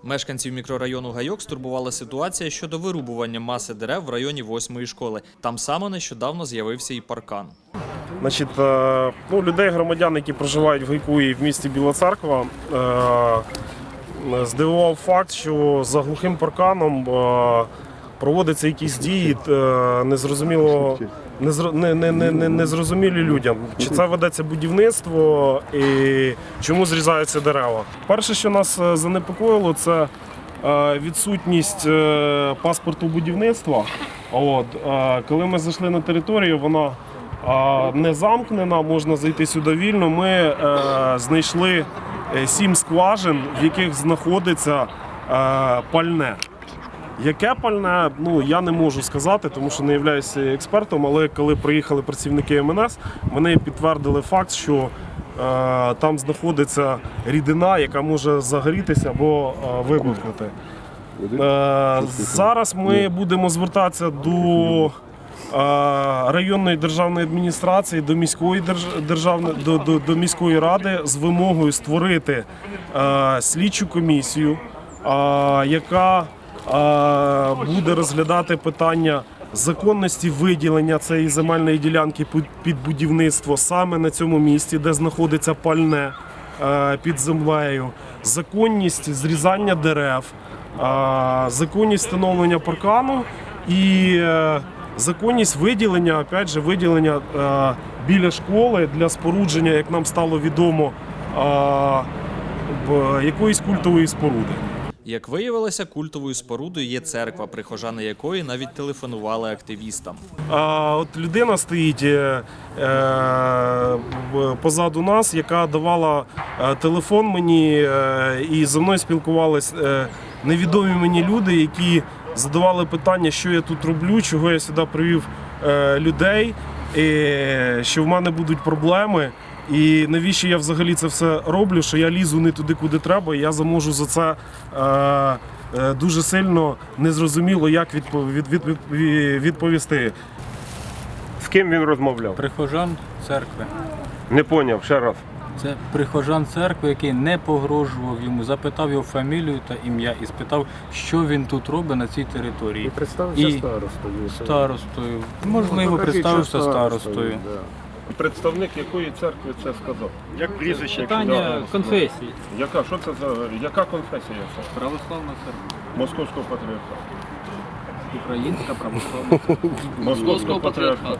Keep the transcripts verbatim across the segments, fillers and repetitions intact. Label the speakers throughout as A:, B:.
A: Мешканців мікрорайону Гайок стурбувала ситуація щодо вирубування маси дерев в районі восьмої школи. Там саме нещодавно з'явився і паркан.
B: Значить, ну, людей, громадян, які проживають в Гайку і в місті Біла Церква, здивував факт, що за глухим парканом проводяться якісь дії незрозуміло, не, не, не, не, незрозумілі людям. Чи це ведеться будівництво і чому зрізаються дерева. Перше, що нас занепокоїло, це відсутність паспорту будівництва. От, коли ми зайшли на територію, вона не замкнена, можна зайти сюди вільно. Ми знайшли сім скважин, в яких знаходиться пальне. Яке пальне, ну, я не можу сказати, тому що не являюся експертом, але коли приїхали працівники ем ен ес, вони підтвердили факт, що е, там знаходиться рідина, яка може загорітися або е, вибухнути. Е, зараз ми будемо звертатися до е, районної державної адміністрації, до міської, державної, до, до, до міської ради з вимогою створити е, слідчу комісію, е, яка буде розглядати питання законності виділення цієї земельної ділянки під будівництво саме на цьому місці, де знаходиться пальне під землею, законність зрізання дерев, законність встановлення паркану і законність виділення, опять же, виділення біля школи для спорудження, як нам стало відомо, якоїсь культової споруди.
A: Як виявилося, культовою спорудою є церква, прихожани якої навіть телефонували активістам.
B: А от людина стоїть е, е, позаду нас, яка давала е, телефон мені, е, і зі мною спілкувались е, невідомі мені люди, які задавали питання, що я тут роблю, чого я сюди привів е, людей, е, що в мене будуть проблеми. І навіщо я взагалі це все роблю, що я лізу не туди, куди треба, і я заможу за це е, е, дуже сильно незрозуміло, як відпов, від, від, від, відповісти.
C: З ким він розмовляв?
D: Прихожан церкви.
C: Не поняв, ще раз.
D: Це прихожан церкви, який не погрожував йому, запитав його фамілію та ім'я і спитав, що він тут робить на цій території.
E: І представився і старостою.
D: Старостою. Можливо, представився старостою.
E: Да.
C: Представник якої церкви це сказав?
D: Як прізвище?
C: Питання
D: конфесії.
C: Яка? Що це за яка конфесія це?
D: Православна церква.
C: Московського патріархату.
D: Українська православна церква.
C: Московського патріархату.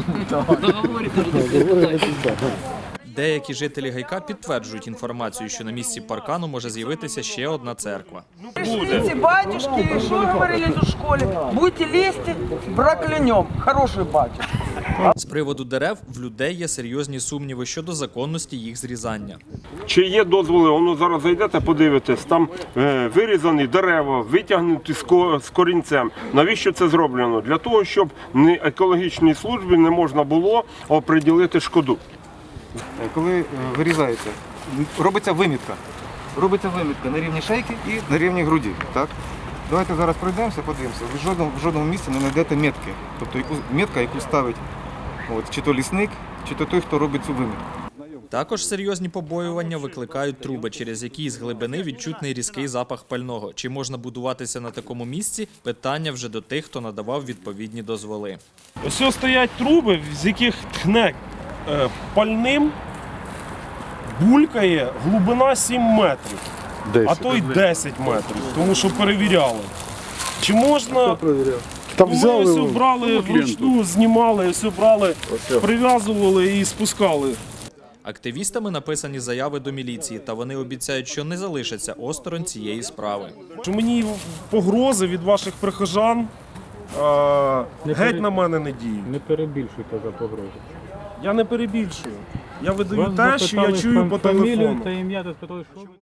A: Деякі жителі Гайка підтверджують інформацію, що на місці паркану може з'явитися ще одна церква.
F: Пришлите, батюшки, что говорили в школе? Будете лезть, проклянем. Хороший батюшка.
A: З приводу дерев в людей є серйозні сумніви щодо законності їх зрізання.
C: Чи є дозволи? Воно зараз зайдете, подивитесь, там е, вирізані дерева, витягнуті з, ко, з корінцем. Навіщо це зроблено? Для того, щоб не екологічній службі не можна було оприділити шкоду.
G: Коли вирізається, робиться вимітка. Робиться вимітка на рівні шейки і на рівні груді. Так? Давайте зараз пройдемося, подивимося. Ви в жодному, в жодному місці не знайдете метки. Тобто яку, метка, яку ставить от, чи то лісник, чи то той, хто робить цю вимітку.
A: Також серйозні побоювання викликають труби, через які з глибини відчутний різкий запах пального. Чи можна будуватися на такому місці – питання вже до тих, хто надавав відповідні дозволи.
B: Ось стоять труби, з яких тхне е, пальним, булькає глибина сім метрів, а то й десять метрів, тому що перевіряли. Чи можна...
E: Там
B: Ми
E: взяли,
B: все брали вручну, знімали, все брали, прив'язували і спускали.
A: Активістами написані заяви до міліції, та вони обіцяють, що не залишаться осторонь цієї справи.
B: Що мені погрози від ваших прихожан а, геть на мене не діють.
E: Не перебільшуйте за погрозу.
B: Я не перебільшую. Я видаю те, що я чую по телефону.
D: Та ім'я, та спитали, що...